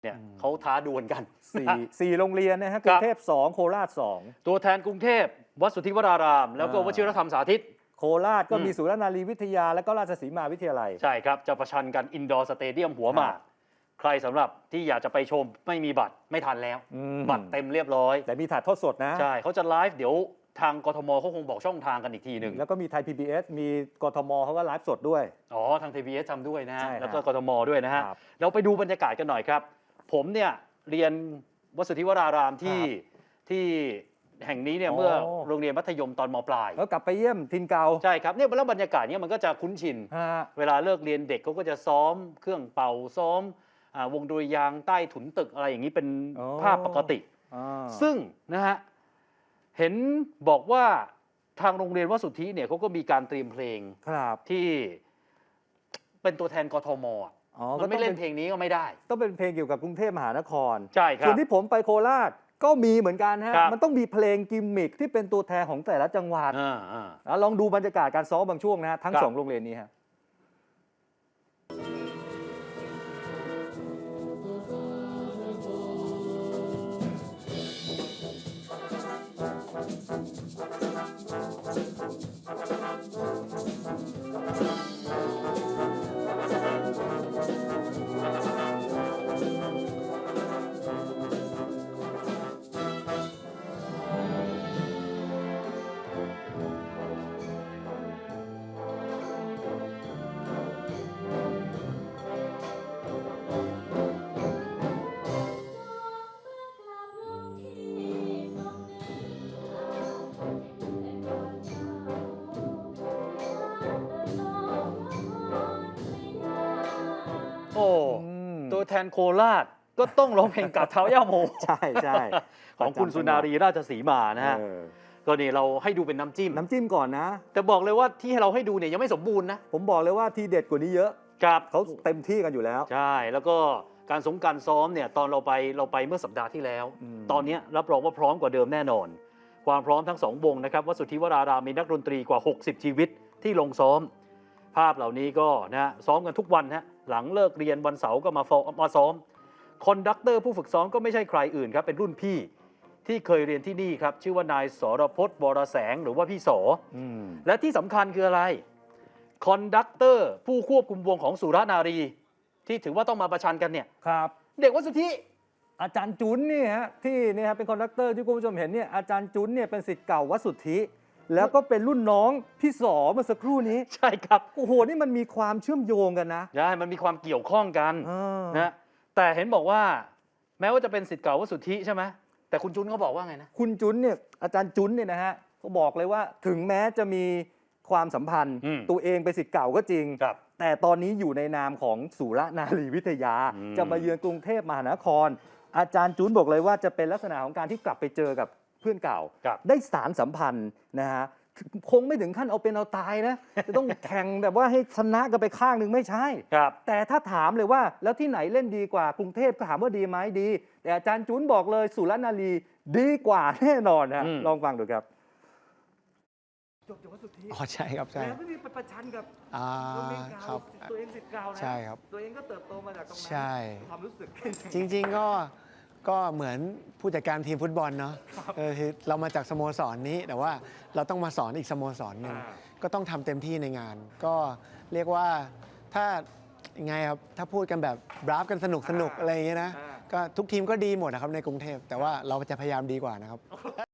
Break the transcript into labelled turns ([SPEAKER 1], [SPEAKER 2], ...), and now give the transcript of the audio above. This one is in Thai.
[SPEAKER 1] เนี่ยเขาท้าดวลกัน
[SPEAKER 2] 4โรงเรียนนะฮะกรุงเทพ2โคราช2
[SPEAKER 1] ตัวแทนกรุงเทพวัดสุทธิวรารามแล้วก็วชิรธรรมสาธิต
[SPEAKER 2] โคราชก็มีสุรนารีวิทยาและก็ราชสีมาวิทยาลัย
[SPEAKER 1] ใช่ครับจะประชันกันอินดอร์สเตเดียมหัวหมากใครสำหรับที่อยากจะไปชมไม่มีบัตรไม่ทันแล้วบัตรเต็มเรียบร้อย
[SPEAKER 2] แต่มีถ่ายทอดสดนะ
[SPEAKER 1] ใช่เขาจะไลฟ์เดี๋ยวทางกทมเขาคงบอกช่องทางกันอีกทีหนึ่ง
[SPEAKER 2] แล้วก็มีไทย PBS มีกทมเขาก็ไลฟ์สดด้วย
[SPEAKER 1] ทาง TBS ทำด้วยนะฮะแล้วก็
[SPEAKER 2] ก
[SPEAKER 1] ทมด้วยนะฮะเราไปดูบรรยากาศกันหน่อยครับผมเนี่ยเรียนวัดสุทธิวรารามที่แห่งนี้เนี่ยเมื่อโรงเรียนมัธยมตอนม.ปลาย
[SPEAKER 2] แล้วกลับไปเยี่ยมทินเก่า
[SPEAKER 1] ใช่ครับเนี่ยแล้วบรรยากาศเนี่ยมันก็จะคุ้นชินเวลาเลิกเรียนเด็กเขาก็จะซ้อมเครื่องเป่าซ้อมวงดุริยางค์ใต้ถุนตึกอะไรอย่างนี้เป็นภาพปกติซึ่งนะฮะเห็นบอกว่าทางโรงเรียนวัดสุทธิเนี่ยเขาก็มีการเตรียมเพลงที่เป็นตัวแทนกทมมันไม่เล่นเพลงนี้ก็ไม่ได้
[SPEAKER 2] ต้องเป็นเพลงเกี่ยวกับกรุงเทพมหานคร
[SPEAKER 1] ใช่ครับ
[SPEAKER 2] ส่วนที่ผมไปโคราชก็มีเหมือนกันฮะมันต้องมีเพลงกิมมิคที่เป็นตัวแทนของแต่ละจังหวัดลองดูบรรยากาศการซ้อมบางช่วงนะฮะทั้ง2โรงเรียนนี้ฮะ
[SPEAKER 1] ตัวแทนโคราชก็ต้องร้องเพลงกับเท้าย่าโม
[SPEAKER 2] ใช่ใช่
[SPEAKER 1] ของคุณสุนารีราชสีมานะฮะก็นี่เราให้ดูเป็นน้ำจิ้ม
[SPEAKER 2] ก่อนนะ
[SPEAKER 1] แต่บอกเลยว่าที่เราให้ดูเนี่ยยังไม่สมบูรณ์นะ
[SPEAKER 2] ผมบอกเลยว่าทีเด็ดกว่านี้เยอะ
[SPEAKER 1] ครับ
[SPEAKER 2] เขาเต็มที่กันอยู่แล้ว
[SPEAKER 1] ใช่แล้วก็การซ้อมเนี่ยตอนเราไปเมื่อสัปดาห์ที่แล้วตอนนี้รับรองว่าพร้อมกว่าเดิมแน่นอนความพร้อมทั้ง2วงนะครับวัดสุทธิวรารามมีนักดนตรีกว่า60ชีวิตที่ลงซ้อมภาพเหล่านี้ก็นะซ้อมกันทุกวันฮะหลังเลิกเรียนวันเสาร์ก็มาซ้อมคอนดักเตอร์ผู้ฝึกซ้อมก็ไม่ใช่ใครอื่นครับเป็นรุ่นพี่ที่เคยเรียนที่นี่ครับชื่อว่านายสรพจน์วรแสงหรือว่าพี่สและที่สำคัญคืออะไรคอนดักเตอร์ผู้ควบคุมวงของสุรนารีที่ถือว่าต้องมาประชันกันเนี่ย
[SPEAKER 2] ครับ
[SPEAKER 1] เด็กวัดสุทธิ
[SPEAKER 2] อาจารย์จุนนี่ฮะที่นี่ฮะเป็นคอนดักเตอร์ที่คุณผู้ชมเห็นเนี่ยอาจารย์จุนเนี่ยเป็นศิษย์เก่าวัดสุทธิแล้วก็เป็นรุ่นน้องพี่สอเมื่อสักครู่นี้
[SPEAKER 1] ใช่ครับ
[SPEAKER 2] โอ้โหนี่มันมีความเชื่อมโยงกันนะ
[SPEAKER 1] ใช่มันมีความเกี่ยวข้องกันนะแต่เห็นบอกว่าแม้ว่าจะเป็นศิษย์เก่าวัดสุทธิใช่ไหมแต่คุณจุนเขาบอกว่าไงนะ
[SPEAKER 2] คุณจุนเนี่ยอาจารย์จุนเนี่ยนะฮะเขาบอกเลยว่าถึงแม้จะมีความสัมพันธ์ตัวเองเป็นศิษย์เก่าก็จริงแต่ตอนนี้อยู่ในนามของสุรนารีวิทยาจะมาเยือนกรุงเทพมหานครอาจารย์จุนบอกเลยว่าจะเป็นลักษณะของการที่กลับไปเจอกับเพื่อนเก่าได้สารสัมพันธ์นะฮะคงไม่ถึงขั้นเอาเป็นเอาตายนะจะต้องแข่งแบบว่าให้ชนะกันไปข้างหนึ่งไม่ใช่แต่ถ้าถามเลยว่าแล้วที่ไหนเล่นดีกว่ากรุงเทพก็ถามว่าดีไหมดีแต่อาจารย์จุนบอกเลยสุรนารีดีกว่าแน่นอนนะลองฟังดูครับจบจากวัดสุทธิ
[SPEAKER 3] ใช่ครับใช่
[SPEAKER 2] แล้วไม่มีประชันกับตัวเองเก่าตัวเองศิษย์เก่านะ
[SPEAKER 3] ใช่ครับ
[SPEAKER 2] ตัวเองก็เติบโตมาจากตรงนั้น
[SPEAKER 3] ใช่
[SPEAKER 2] ความรู้สึก
[SPEAKER 3] จริงๆก็เหมือนผู้จัดการทีมฟุตบอลเนาะเรามาจากสโมสรนี้แต่ว่าเราต้องมาสอนอีกสโมสรหนึ่งก็ต้องทำเต็มที่ในงานก็เรียกว่าถ้าไงครับถ้าพูดกันแบบบราฟกันสนุกอะไรอย่างเงี้ยนะก็ทุกทีมก็ดีหมดนะครับในกรุงเทพแต่ว่าเราจะพยายามดีกว่านะครับ